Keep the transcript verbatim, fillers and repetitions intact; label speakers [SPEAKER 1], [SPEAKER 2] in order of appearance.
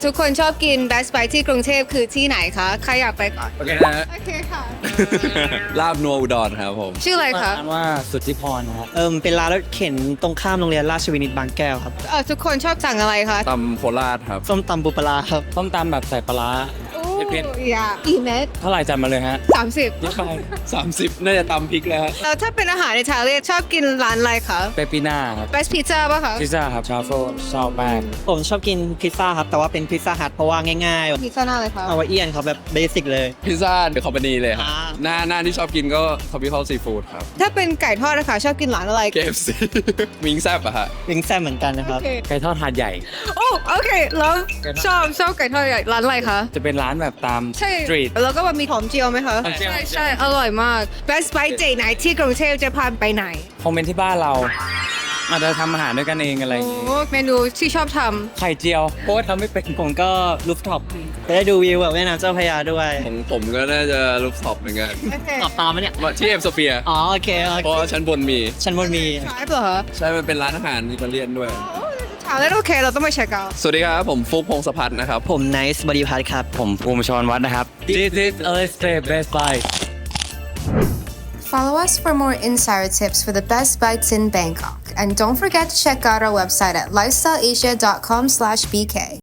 [SPEAKER 1] ทุกคนชอบกิน Best Buy ที่กรุงเทพคือที่ไหนคะใครอยากไปก่อน
[SPEAKER 2] โอเคนะ
[SPEAKER 1] โอเคค่ะ
[SPEAKER 2] ลาบนัวอุดรครับผม
[SPEAKER 1] ชื่ออะไรคะ
[SPEAKER 3] ร้านว่าสุทธิพรครับ
[SPEAKER 4] เอิมเป็นร้านรถเข็นตรงข้ามโรงเรียนราชวินิตบางแก้วครับ
[SPEAKER 1] เออทุกคนชอบสั่งอะไรคะ
[SPEAKER 2] ตำโคราชครับ
[SPEAKER 4] ส้มตำปูปลาร้าครับ
[SPEAKER 3] ต้มตำแบบใส่ปลาร้า
[SPEAKER 1] โอ้
[SPEAKER 3] เผ็ด
[SPEAKER 1] ยากี่เม็ด
[SPEAKER 3] เท่าไหร่จัดมาเลยฮะ
[SPEAKER 1] สามสิบ
[SPEAKER 3] เยอะไป
[SPEAKER 2] สามสิบ น่าจะตำพริกแล้วฮะ
[SPEAKER 1] แล้วถ้าเป็นอาหารอิตาเลียนชอบกินร้านอะไรคะ
[SPEAKER 3] เปปปิน่าครับ
[SPEAKER 1] Best Pizza ป่ะคะ
[SPEAKER 3] พิซซ่าครับชาโฟชอบมาก
[SPEAKER 4] ผมชอบกินพิซซ่าครับ แต่ว่าเป็นพิซซ่าฮัทเพราะว่าง่าย
[SPEAKER 1] พิซซ่าหน้าอะไรคะ
[SPEAKER 4] ๆ เอาไว้เอียนครับแบบเบสิกเลย
[SPEAKER 2] พิซซ่าเดอะคอมพานีเลยครับ
[SPEAKER 4] อ่า
[SPEAKER 2] หน้าหน้าที่ชอบกินก็ Tropical Seafood ครับ
[SPEAKER 1] ถ้าเป็นไก่ทอดนะคะชอบกินร้านอะไร
[SPEAKER 2] เค เอฟ ซี วิงแซบอะฮะ
[SPEAKER 4] วิงแซ่บเหมือนกันนะครับ
[SPEAKER 1] โอเค
[SPEAKER 3] ไก่ทอดหาดใหญ่
[SPEAKER 1] โอ้โอเคแล้วชอบชอบไก่ทอดใหญ่ร้านอะไรคะ
[SPEAKER 3] จะเป็นร้านแบบตาม
[SPEAKER 1] ใช่
[SPEAKER 3] สตรีท
[SPEAKER 1] แล้วก็มีหอมเจียวไหมคะ
[SPEAKER 3] หอมเจียว
[SPEAKER 1] ใช่ใช่อร่อยมาก Best Buy เจไหนที่กรุงเทพจะพาไปไหน
[SPEAKER 3] คอมเมนต์ที่บ้านเราอาจจะทำอาหารด้วยกันเองอะไรอย่างงี้
[SPEAKER 1] โอ้เมนูที่ชอบท
[SPEAKER 3] ไข่เจียวเพราะว่าทำไม่เป็น
[SPEAKER 4] ผมก็ลูฟท็อปจะได้ดูวิวแบบแม่น้ำเจ้าพระยาด้วย
[SPEAKER 2] ของผมก็น่าจะรูปท็อปเหมือนกัน
[SPEAKER 1] ำโอเค
[SPEAKER 4] ตอบตามไหมเนี่ย
[SPEAKER 2] ที่เอ็มโซเฟีย
[SPEAKER 4] อ๋อโอเคโอ
[SPEAKER 2] เพราะ
[SPEAKER 4] เค
[SPEAKER 2] ว่าชั้นบนมี
[SPEAKER 4] ชั้นบนมี
[SPEAKER 1] ใช่เหรอคะ
[SPEAKER 2] ใช่ มันเป็นร้านอาหารอิตาเลียนด้วย
[SPEAKER 1] ถามแล้วโอเคเราต้องไปเช็คเอาท์
[SPEAKER 2] สวัสดีครับ ผมฟุกพงศพัฒน์นะครับ
[SPEAKER 4] ผมไนซ์บริพัตรครับ
[SPEAKER 3] ผมภูมิชรวัฒน์นะครับ This is a stay best buy
[SPEAKER 1] Follow us for more insider tips for the best bites in Bangkok. And don't forget to check out our website at lifestyleasia dot com slash B K.